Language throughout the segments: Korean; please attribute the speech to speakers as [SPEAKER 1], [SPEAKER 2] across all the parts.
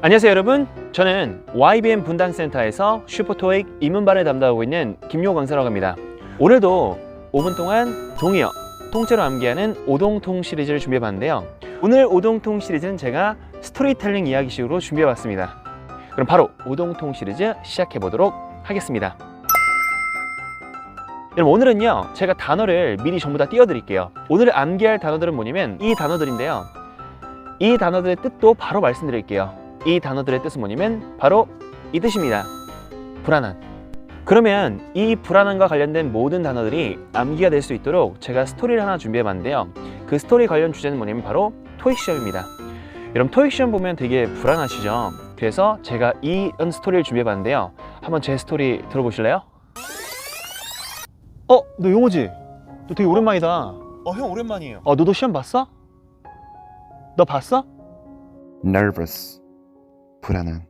[SPEAKER 1] 안녕하세요 여러분, 저는 YBM 분당센터에서 슈퍼토익 입문반을 담당하고 있는 김용호 강사라고 합니다. 오늘도 5분 동안 동의어, 통째로 암기하는 오동통 시리즈를 준비해봤는데요. 오늘 오동통 시리즈는 제가 스토리텔링 이야기식으로 준비해봤습니다. 그럼 바로 오동통 시리즈 시작해보도록 하겠습니다. 여러분, 오늘은요 제가 단어를 미리 전부 다 띄워드릴게요. 오늘 암기할 단어들은 뭐냐면 이 단어들인데요, 이 단어들의 뜻도 바로 말씀드릴게요. 이 단어들의 뜻은 뭐냐면 바로 이 뜻입니다. 불안한. 그러면 이 불안함과 관련된 모든 단어들이 암기가 될 수 있도록 제가 스토리를 하나 준비해봤는데요. 그 스토리 관련 주제는 뭐냐면 바로 토익 시험입니다. 여러분, 토익 시험 보면 되게 불안하시죠? 그래서 제가 이런 스토리를 준비해봤는데요. 한번 제 스토리 들어보실래요? 너 용호지? 너 되게 오랜만이다. 형 오랜만이에요. 너도 시험 봤어? 너 봤어?
[SPEAKER 2] nervous 불안한.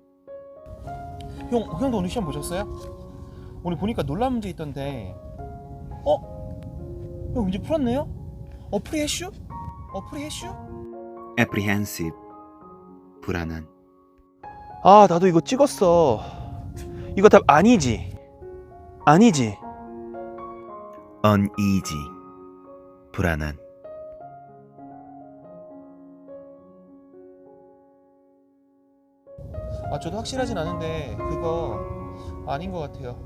[SPEAKER 1] 형도 오늘 시험 보셨어요? 오늘 보니까 놀란 문제 있던데. 형 이제 풀었네요? 프리해슈? 프리해슈?
[SPEAKER 2] apprehensive 불안한.
[SPEAKER 1] 나도 이거 찍었어. 이거 답 아니지? 아니지?
[SPEAKER 2] uneasy 불안한.
[SPEAKER 1] 저도 확실하진 않은데 그거 아닌 것 같아요.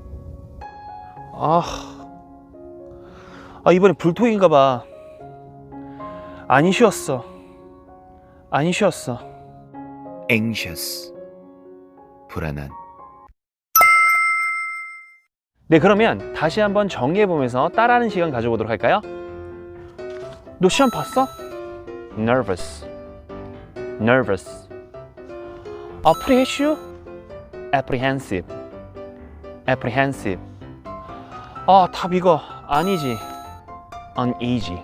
[SPEAKER 1] 이번에 불토익인가 봐. 안 쉬었어.
[SPEAKER 2] anxious 불안한.
[SPEAKER 1] 네, 그러면 다시 한번 정리해보면서 따라하는 시간 가져보도록 할까요? 너 시험 봤어? nervous. apprehensive. 답 이거 아니지. uneasy.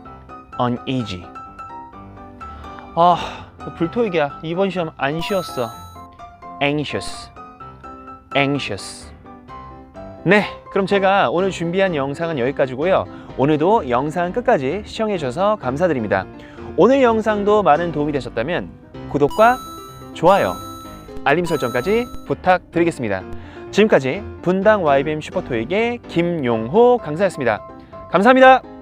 [SPEAKER 1] 불토익이야. 이번 시험 안 쉬었어. anxious. 네, 그럼 제가 오늘 준비한 영상은 여기까지고요. 오늘도 영상 끝까지 시청해 주셔서 감사드립니다. 오늘 영상도 많은 도움이 되셨다면 구독과 좋아요, 알림 설정까지 부탁드리겠습니다. 지금까지 분당 YBM 슈퍼토익의 김용호 강사였습니다. 감사합니다.